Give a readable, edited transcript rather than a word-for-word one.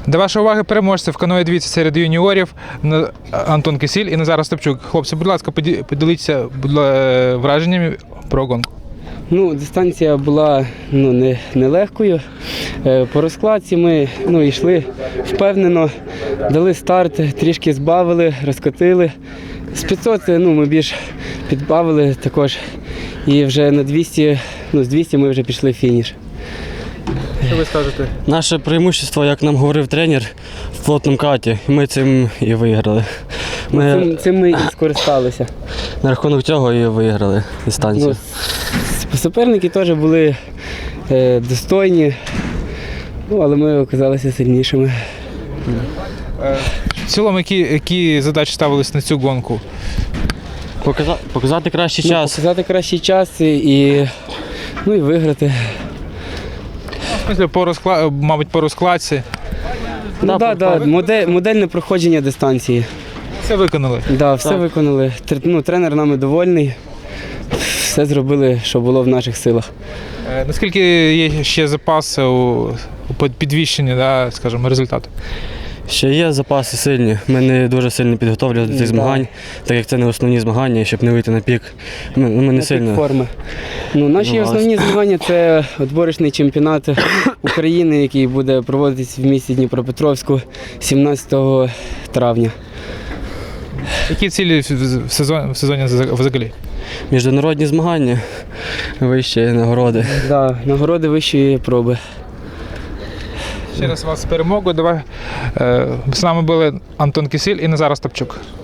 До вашої уваги переможці в каное двійці серед юніорів Антон Кисіль і Назар Остапчук. Хлопці, будь ласка, поділіться враженнями про гонку. Дистанція була нелегкою. По розкладці ми йшли впевнено, дали старт, трішки збавили, розкотили. З 500 ми більш підбавили також. І вже на 200, з 200 ми вже пішли в фініш. Що ви скажете? Наше преимущество, як нам говорив тренер, в плотному каті, ми цим і виграли. Цим ми і скористалися. На рахунок цього і виграли дистанцію. Суперники теж були достойні, але ми оказалися сильнішими. В цілому, які задачі ставились на цю гонку? Показати кращий час. Показати кращий час і виграти. В смысле, мабуть, по розкладці. Модельне проходження дистанції. Все виконали? Все виконали. Тренер нами довольний. Все зробили, що було в наших силах. Наскільки є ще запаси у підвищенні, скажімо, результату? Ще є запаси сильні. Ми не дуже сильно підготовлені до цих змагань, так як це не основні змагання, щоб не вийти на пік. Ми не сильно. Пік форми. Наші основні змагання – це відборочний чемпіонат України, який буде проводитись в місті Дніпропетровську 17 травня. Які цілі в сезоні взагалі? Міжнародні змагання, вищі нагороди. Нагороди вищої проби. Ще раз вас з перемогою. З нами були Антон Кисіль і Назар Остапчук.